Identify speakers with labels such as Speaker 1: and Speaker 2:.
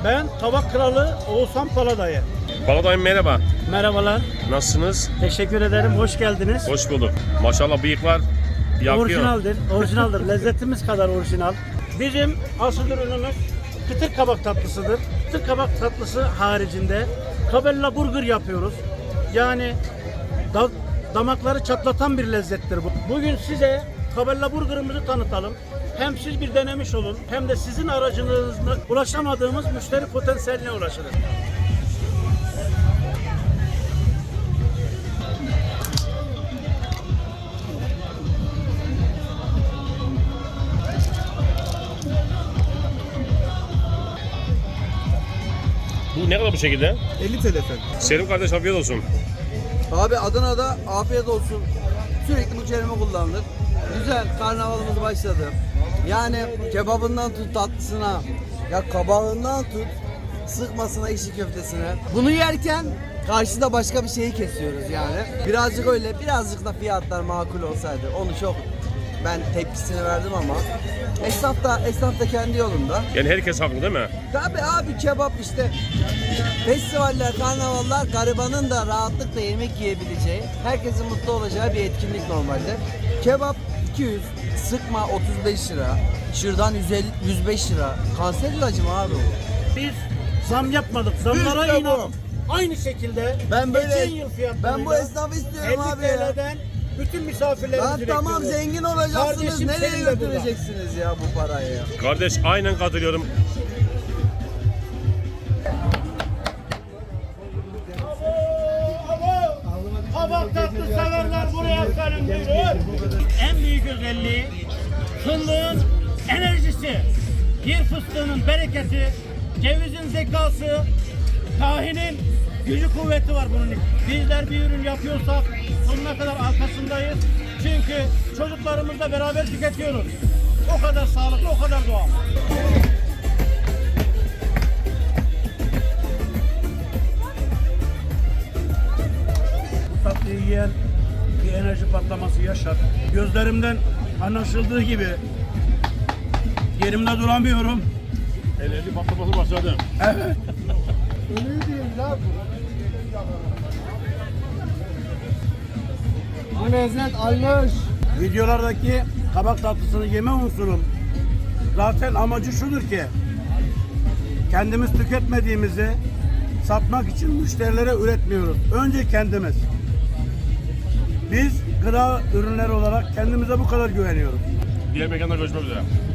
Speaker 1: Ben Tabak Kralı Oğuzhan Paladayı.
Speaker 2: Paladayım merhaba.
Speaker 1: Merhabalar.
Speaker 2: Nasılsınız?
Speaker 1: Teşekkür ederim. Hoş geldiniz.
Speaker 2: Hoş bulduk. Maşallah bıyıklar yakıyor.
Speaker 1: Orijinaldir. Orijinaldir. Lezzetimiz kadar orijinal. Bizim asıl ürünümüz kıtır kabak tatlısıdır. Kıtır kabak tatlısı haricinde kabella burger yapıyoruz. Yani damakları çatlatan bir lezzettir bu. Bugün size kabella burgerımızı tanıtalım. Hem siz bir denemiş olun hem de sizin aracınızla ulaşamadığımız müşteri potansiyeline ulaşırız.
Speaker 2: Bu ne kadar bu şekilde?
Speaker 3: 50 TL efendim.
Speaker 2: Selim kardeş afiyet olsun.
Speaker 3: Abi Adana'da afiyet olsun. Sürekli bu kelime kullanılır. Güzel, karnavalımız başladı. Yani kebabından tut tatlısına, ya kabağından tut sıkmasına, içli köftesine. Bunu yerken karşıda başka bir şeyi kesiyoruz yani. Birazcık öyle, birazcık da fiyatlar makul olsaydı onu çok ben tepkisini verdim ama esnaf da kendi yolunda.
Speaker 2: Yani herkes haklı değil mi?
Speaker 3: Tabii abi kebap işte festivaller, karnavallar garibanın da rahatlıkla yemek yiyebileceği, herkesin mutlu olacağı bir etkinlik normalde. Kebap 200, sıkma 35 lira, şırdan 105 lira. Kanser ilacı mı abi o?
Speaker 1: Biz zam yapmadık. Zamlara
Speaker 3: İşte bu.
Speaker 1: inan. Aynı şekilde
Speaker 3: Ben böyle,
Speaker 1: geçen yıl fiyatlarıyla
Speaker 3: ben bu esnafı istiyorum
Speaker 1: 50
Speaker 3: abi ya.
Speaker 1: TL'den bütün misafirlerimizi
Speaker 3: Lan tamam
Speaker 1: bekliyoruz.
Speaker 3: zengin olacaksınız,
Speaker 1: Kardeşim
Speaker 3: nereye
Speaker 1: senin de burada.
Speaker 3: götüreceksiniz ya bu parayı?
Speaker 2: Kardeş aynen katılıyorum.
Speaker 1: Kabak tatlı severler buraya gelin buyurun. En büyük özelliği fındığın enerjisi, bir fıstığının bereketi, cevizin zekası, tahinin gücü kuvveti var bunun. Bizler bir ürün yapıyorsak sonuna kadar arkasındayız. Çünkü çocuklarımızla beraber tüketiyoruz. O kadar sağlıklı, o kadar doğal. Tatlıyı yiyen bir enerji patlaması yaşar. Gözlerimden anlaşıldığı gibi yerimde duramıyorum.
Speaker 2: Enerji patlaması başladı.
Speaker 1: Evet.
Speaker 3: Bu lezzet almış.
Speaker 1: Videolardaki kabak tatlısını yeme unsurun zaten amacı şudur ki kendimiz tüketmediğimizi satmak için müşterilere üretmiyoruz. Önce kendimiz. Biz gıda ürünleri olarak kendimize bu kadar güveniyoruz.
Speaker 2: Diğer mekanda görüşmek üzere.